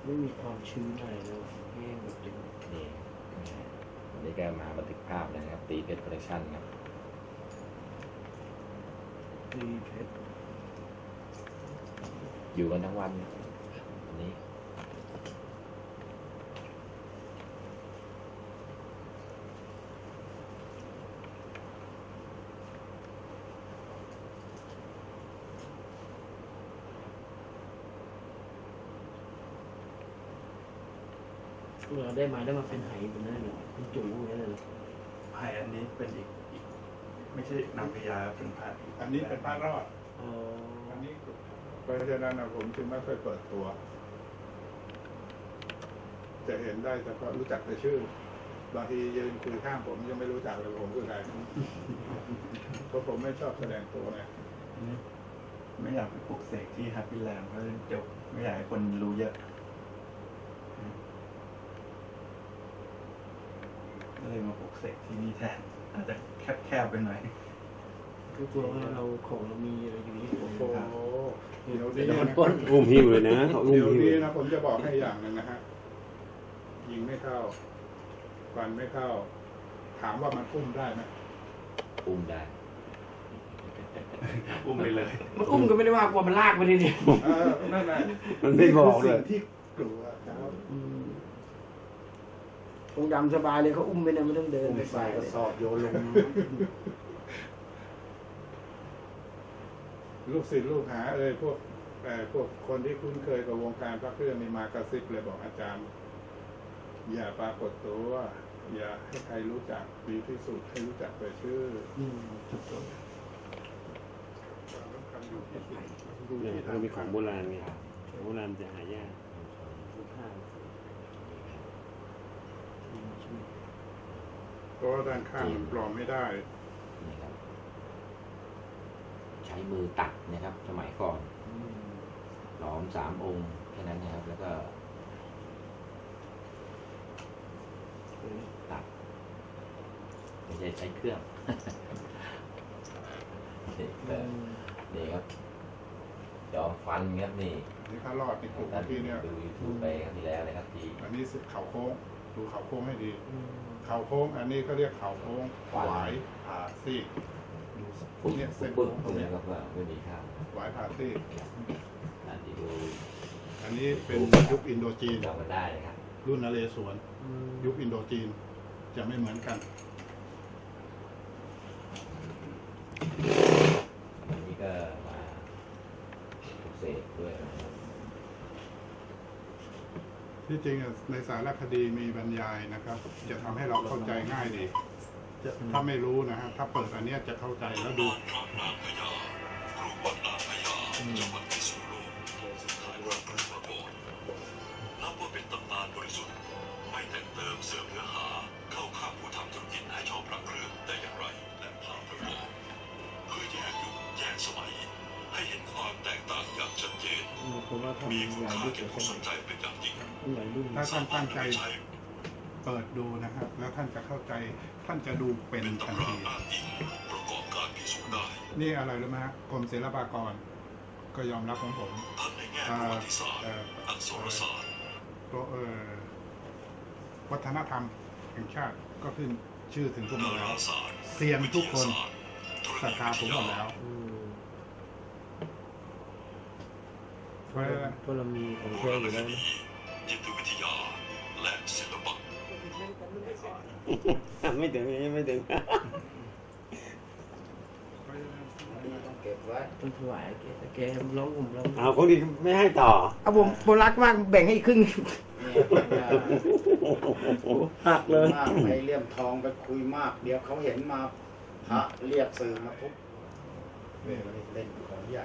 ไม่มีความชื้นอะไรเลยแห้งแบบนี้นี่วันนี้ก็มาบันทึกภาพนะครับตีเพชรโปรดักชั่นครับมีเพชรอยู่กันทั้งวันวันนี้เราได้มาเป็นไหแบบนั้นเหรอเป็นจุ๋อย่างนั้นเลยเหรอพายอันนี้เป็นอีกไม่ใช่นางพญาเป็นพายอันนี้เป็นพระรอดอ๋ออันนี้เพราะฉะนั้นผมจึงไม่ค่อยเปิดตัว จะเห็นได้เฉพาะรู้จักแต่ชื่อบางทียืนคุยข้างผมยังไม่รู้จักเลยผมคือใครเพราะผมไม่ชอบแสดงตัวนะไม่อยากไปปลุกเสกที่แฮปปี้แลนด์เพราะเดี๋ยวไม่อยากให้คนรู้เยอะก็เลยมาปลุกเสกที่นี่แทนอาจจะแคบๆไปหน่อยก็กลัวว่าเราของเรามีอะไรอยู่ที่ผมโอ้โหเดี๋ยวนี้เดี๋ยวมันนะปล้นอุ้มหิ้วเลยนะเขาอุ้มเดี๋ยวหิ้วนี้นะผมจะบอกให้อย่างหนึ่งนะฮะยิงไม่เข้าฟันไม่เข้า ถามว่ามันอุ้มได้ไหมอุ้มได้อุ้มไปเลยมันอุ้มก็ไม่ได้ว่ากลัวมันลากไปนี่ดินั่นแหละมันไม่บอกเลยนี่คือสิ่งที่กลัวครับองค์ดำสบายเลยเขาอุ้มไปนะไม่ต้องเดินอุ้มใส่กระสอบโยนลงลูกศิษย์ลูกหาพวกคนที่คุ้นเคยกับวงการพระเครื่องนี่มากระซิบเลยบอกอาจารย์ อย่าปรากฏตัวอย่าให้ใครรู้จักดีที่สุดให้รู้จักแต่ชื่อถูกต้องความสำคัญอยู่ที่สุดดูเนี่ยที่มันมีของโบทำราณไงของโบราณจะหายากลูกค้าเพราะว่าด้านข้างมันปลอมไม่ได้นี่ครับใช้มือตัดนะครับ สมัยก่อนหลอม3 องค์แค่นั้นนะครับ แล้วก็ตัดไม่ใช่ใช้เครื่อง นี่ก็นี่ครับยอมฟันครับนี่นี่ถ้ารอดในกลุ่มท่านที่เนี่ยดูยูทูบไปครั้งที่แล้วนะครับที่อันนี้เขาโค้งดูเขาโค้งให้ดี เขาโค้ง อันนี้เขาเรียกเขาโค้งหวายผ่าซีกดูพวกเนี้ยเส้นปึ๊โค้กงตรงเนี้นะยครับว่าไม่มีข้าวหวายผ่าซีกอันที่ดูอันนี้เป็นยุคอินโดจีนจำกันได้นะครับรุ่นนเรศวรยุคอินโดจีนจะไม่เหมือนกันวันนี้ก็มาปลุกเสกด้วยนะครับที่จริงอะในสารคดีมีบรรยายนะครับ จะทำให้เราเข้าใจง่ายดีถ้าไม่รู้นะฮะถ้าเปิดอันเนี้ยจะเข้าใจแล้วดูนับว่าเป็นตำนานบริสุทธิ์ไม่แต่งเติมเสริมเนื้อหาเข้าข้างผู้ทำธุรกิจให้ชอบพระเครื่องได้อย่างไรและภาพประกอบเพื่อแยกยุคแยกสมัยให้เห็นความแตกต่างอย่างชัดเจนผมว่าทำมีคุณหลายค่ารุ่นแก่ผู้สนใจเป็นอย่างยิ่งหลายรุ่นถ้าท่านตั้งใจใช้เปิดดูนะครับ แล้วท่านจะเข้าใจ ท่านจะดูเป็นเป็นทันตำราทีอ้างอิงประกอบการพิสูจน์ได้นี่อะไรรู้ไหมฮะกรมศิลปากร ก็ยอมรับของผมทั้งในแง่ประวัติศาสตร์อักษรศาสตร์วัฒนธรรมแห่งชาติก็ขึ้นชื่อถึงผมหมดดาแล้ราว ศาสตร์เซียนทุกคนวิทยาศาสตร์ธรศรัทณีธาวิผมทหมยาดแล้ว เพราะฉะนั้นเพราะเรามีของโบแท้ราอยู่ณแล้วคดีนะจิตวิทยาและศิลปะไม่ถึงไม่ถึงเก็บไว้ต้องถวายแกร้องผมร้องเอาของดีไม่ให้ต่อเอาผมรักมากแบ่งให้อีกครึ่ง หักเลยมากไปเลี่ยมทองไปคุยมาก เดี๋ยวเขาเห็นมาพระเรียกสื่อมาทุบเล่นของใหญ่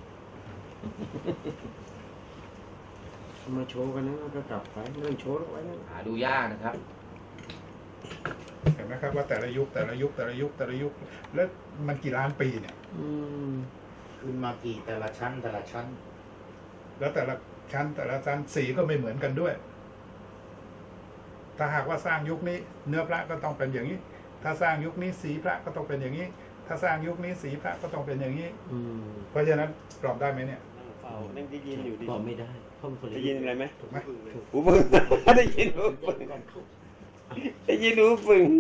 มาโชว์กันนะก็กลับไปเรื่องโชว์ไว้นะหาดูยากนะครับเห็นไหมครับว่าแต่ละยุคแล้วมันกี่ล้านปีเนี่ยขึ้นมากี่แต่ละชั้นแล้วแต่ละชั้นสีก็ไม่เหมือนกันด้วย ถ้าหากว่าสร้างยุคนี้ เนื้อพระก็ต้องเป็นอย่างนี้ ถ้าสร้างยุคนี้สีพระก็ต้องเป็นอย่างนี้ ถ้าสร้างยุคนี้สีพระก็ต้องเป็นอย่างนี้ เพราะฉะนั้นปลอมได้ไหมเนี่ยเฝ้านั่งที่ยินอยู่ดีบอกไม่ได้เเพิ่มผลิตได้ยินอะไรไหมถูกไหมหูปึง ได้ยินหูปึงได้ยินหูปึง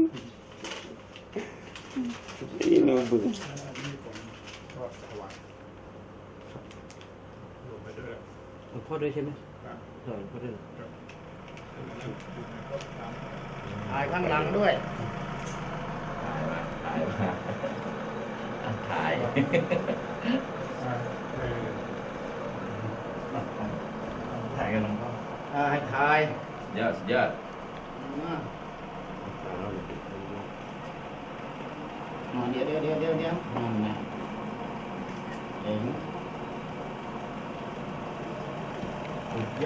ได้ยินหูปึงนี่ผมก็ถวายรวมไปด้วยหลวงพ่อด้วยใช่ไหมครับหลวงพ่อด้วยถ่ายข้างหลังด้วยถ่ายมาถ่ายถ่ายกันหลวงพ่อให้ถ่ายยอดยอดเดี๋ยวนั่นไงเอง